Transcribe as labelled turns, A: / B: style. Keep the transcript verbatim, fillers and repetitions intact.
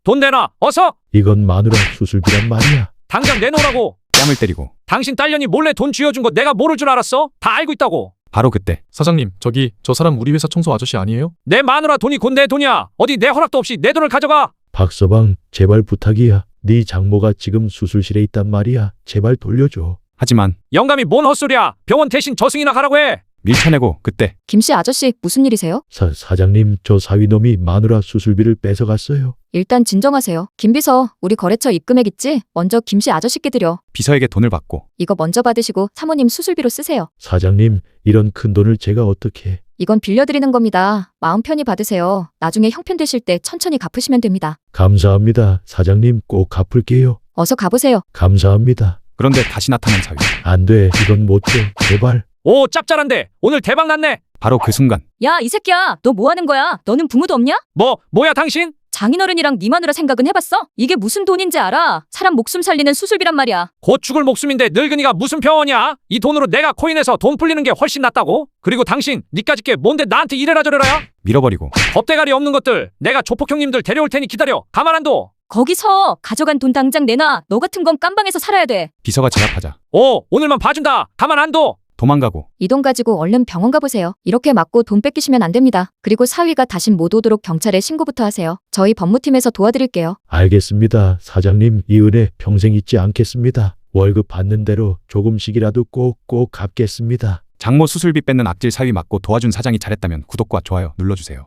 A: 돈 내놔. 어서.
B: 이건 마누라 수술비란 말이야.
A: 당장 내놓으라고.
C: 뺨을 때리고
A: 당신 딸년이 몰래 돈 쥐어준 거 내가 모를 줄 알았어? 다 알고 있다고.
C: 바로 그때
D: 사장님, 저기 저 사람 우리 회사 청소 아저씨 아니에요?
A: 내 마누라 돈이 곧 내 돈이야. 어디 내 허락도 없이 내 돈을 가져가.
B: 박서방, 제발 부탁이야. 네 장모가 지금 수술실에 있단 말이야. 제발 돌려줘.
C: 하지만
A: 영감이 뭔 헛소리야. 병원 대신 저승이나 가라고 해.
C: 밀쳐내고 그때
E: 김씨 아저씨 무슨 일이세요?
B: 사, 사장님, 저 사위놈이 마누라 수술비를 뺏어갔어요.
E: 일단 진정하세요. 김비서, 우리 거래처 입금액 있지? 먼저 김씨 아저씨께 드려.
C: 비서에게 돈을 받고
E: 이거 먼저 받으시고 사모님 수술비로 쓰세요.
B: 사장님, 이런 큰 돈을 제가 어떻게...
E: 이건 빌려드리는 겁니다. 마음 편히 받으세요. 나중에 형편 되실 때 천천히 갚으시면 됩니다.
B: 감사합니다. 사장님, 꼭 갚을게요.
E: 어서 가보세요.
B: 감사합니다.
C: 그런데 다시 나타난 사위.
B: 안 돼, 이건 못 돼. 제발.
A: 오, 짭짤한데. 오늘 대박 났네.
C: 바로 그 순간
E: 야, 이 새끼야. 너 뭐 하는 거야? 너는 부모도 없냐?
A: 뭐, 뭐야 당신?
E: 장인어른이랑 네 마누라 생각은 해봤어? 이게 무슨 돈인지 알아? 사람 목숨 살리는 수술비란 말이야.
A: 곧 죽을 목숨인데 늙은이가 무슨 병원이야? 이 돈으로 내가 코인해서 돈 풀리는 게 훨씬 낫다고? 그리고 당신, 니까짓 게 뭔데 나한테 이래라 저래라야?
C: 밀어버리고
A: 겁대가리 없는 것들. 내가 조폭 형님들 데려올 테니 기다려. 가만 안 둬.
E: 거기서 가져간 돈 당장 내놔. 너 같은 건 깜방에서 살아야 돼.
C: 비서가 제압하자
A: 오, 오늘만 봐준다. 가만 안 둬.
C: 도망가고
E: 이 돈 가지고 얼른 병원 가보세요. 이렇게 맞고 돈 뺏기시면 안 됩니다. 그리고 사위가 다신 못 오도록 경찰에 신고부터 하세요. 저희 법무팀에서 도와드릴게요.
B: 알겠습니다. 사장님, 이 은혜 평생 잊지 않겠습니다. 월급 받는 대로 조금씩이라도 꼭꼭 갚겠습니다.
C: 장모 수술비 뺏는 악질 사위 맞고 도와준 사장이 잘했다면 구독과 좋아요 눌러주세요.